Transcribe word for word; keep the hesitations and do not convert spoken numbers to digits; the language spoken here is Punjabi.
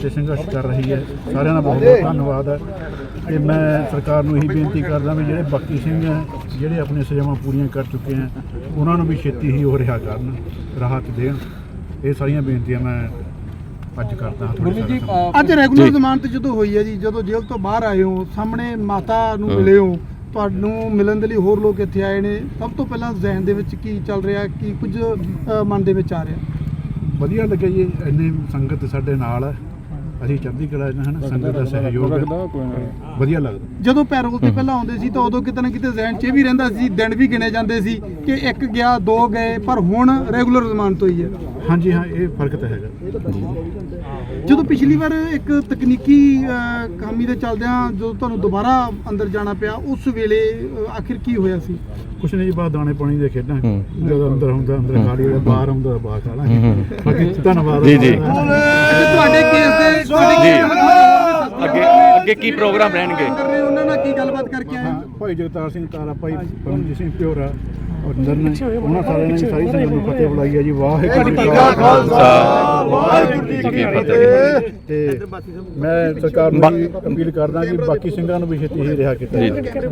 ਵਾਸਤੇ ਸੰਘਰਸ਼ ਕਰ ਰਹੀ ਹੈ। ਸਾਰਿਆਂ ਦਾ ਬਹੁਤ ਬਹੁਤ ਧੰਨਵਾਦ ਹੈ। ਤੇ ਮੈਂ ਸਰਕਾਰ ਨੂੰ ਇਹੀ ਬੇਨਤੀ ਕਰਦਾ ਵੀ ਜਿਹੜੇ ਬਾਕੀ ਸਿੰਘ ਹੈ ਜਿਹੜੇ ਆਪਣੀਆਂ ਸਜ਼ਾਵਾਂ ਪੂਰੀਆਂ ਕਰ ਚੁੱਕੇ ਹੈ ਉਹਨਾਂ ਨੂੰ ਵੀ ਛੇਤੀ ਹੀ ਉਹ ਰਿਹਾ ਕਰਨ, ਰਾਹਤ ਦੇਣ। ਇਹ ਸਾਰੀਆਂ ਬੇਨਤੀਆਂ ਮੈਂ ਅੱਜ ਕਰਦਾ ਹਾਂ। ਗੁਰਮੀਤ ਜੀ, ਅੱਜ ਰੈਗੂਲਰ ਜ਼ਮਾਨਤ ਜਦੋਂ ਹੋਈ ਹੈ ਜੀ, ਜਦੋਂ ਜੇਲ੍ਹ ਤੋਂ ਬਾਹਰ ਆਏ ਹੋ, ਸਾਹਮਣੇ ਮਾਤਾ ਨੂੰ ਮਿਲੇ ਹੋ, ਤੁਹਾਨੂੰ ਮਿਲਣ ਦੇ ਲਈ ਹੋਰ ਲੋਕ ਇੱਥੇ ਆਏ ਨੇ, ਸਭ ਤੋਂ ਪਹਿਲਾਂ ਜ਼ਿਹਨ ਦੇ ਵਿੱਚ ਕੀ ਚੱਲ ਰਿਹਾ, ਕੀ ਕੁਝ ਅ, ਮਨ ਦੇ ਵਿੱਚ ਆ ਰਿਹਾ? ਵਧੀਆ ਲੱਗਿਆ ਜੀ, ਇੰਨੀ ਸੰਗਤ ਸਾਡੇ ਨਾਲ ਹੈ, ਅਸੀਂ ਚੜ੍ਹਦੀ ਕਲਾ ਚ ਹਨ, ਸੰਗਤ ਦਾ ਸਹਿਯੋਗ ਹੈ, ਵਧੀਆ ਲੱਗਦਾ। ਜਦੋਂ ਪੈਰੋਲ ਤੇ ਪਹਿਲਾਂ ਆਉਂਦੇ ਸੀ ਤਾਂ ਉਦੋਂ ਕਿਤੇ ਨਾ ਕਿਤੇ ਜ਼ਿਹਨ 'ਚ ਇਹ ਵੀ ਰਹਿੰਦਾ ਸੀ, ਦਿਨ ਵੀ ਗਿਣੇ ਜਾਂਦੇ ਸੀ ਕਿ ਇੱਕ ਗਿਆ ਦੋ ਗਏ, ਪਰ ਹੁਣ ਰੈਗੂਲਰ ਜ਼ਮਾਨਤ ਹੋਈ ਹੈ। ਹਾਂਜੀ ਹਾਂ, ਇਹ ਫਰਕ ਤਾਂ ਹੈਗਾ। ਜਦੋਂ ਪਿਛਲੀ ਵਾਰ ਇੱਕ ਤਕਨੀਕੀ ਅ, ਖਾਮੀ ਦੇ ਚੱਲਦਿਆਂ ਜਦੋਂ ਤੁਹਾਨੂੰ ਦੁਬਾਰਾ ਅੰਦਰ ਜਾਣਾ ਪਿਆ, ਉਸ ਵੇਲੇ ਅ, ਆਖਿਰ ਕੀ ਹੋਇਆ ਸੀ? ਕੁਛ ਨਹੀਂ ਜੀ, ਬਾਹਰ ਦਾਣੇ ਪਾਣੀ ਦੇ ਖੇਡਾਂ, ਜਦੋਂ ਅੰਦਰ ਹੁੰਦਾ ਅੰਦਰ ਖਾ ਲਈ, ਬਾਹਰ ਆਉਂਦਾ ਬਾਹਰ ਖਾ ਲਾਂਗੇ। ਬਾਕੀ ਧੰਨਵਾਦ ਜੀ ਜੀ। ਤੁਹਾਡੇ ਕੇਸ ਦੇ ਅੱਗੇ ਅੱਗੇ ਕੀ ਪ੍ਰੋਗਰਾਮ ਰਹਿਣਗੇ? ਉਹਨਾਂ ਨਾਲ ਕੀ ਗੱਲਬਾਤ ਕਰਕੇ ਆਏ? ਭਾਈ ਜਗਤਾਰ ਸਿੰਘ ਤਾਰਾ, ਭਾਈ ਪਰਮਜੀਤ ਸਿੰਘ ਪਿਓਰਾ ਅੰਦਰ ਨੇ, ਉਹਨਾਂ ਸਾਰਿਆਂ ਨੇ ਸਾਰੀ ਸੰਗਤ ਨੂੰ ਫਤਿਹ ਬੁਲਾਈ ਹੈ ਜੀ। ਵਾਹਿਗੁਰੂ ਜੀ ਕਾ ਖਾਲਸਾ, ਵਾਹਿਗੁਰੂ ਜੀ ਕੀ ਫਤਿਹ। ਤੇ ਮੈਂ ਸਰਕਾਰ ਨੂੰ ਅਪੀਲ ਕਰਦਾ ਕਿ ਬਾਕੀ ਸਿੰਘਾਂ ਨੂੰ ਵੀ ਛੇਤੀ ਹੀ ਰਿਹਾ ਕੀਤਾ ਜਾਵੇ।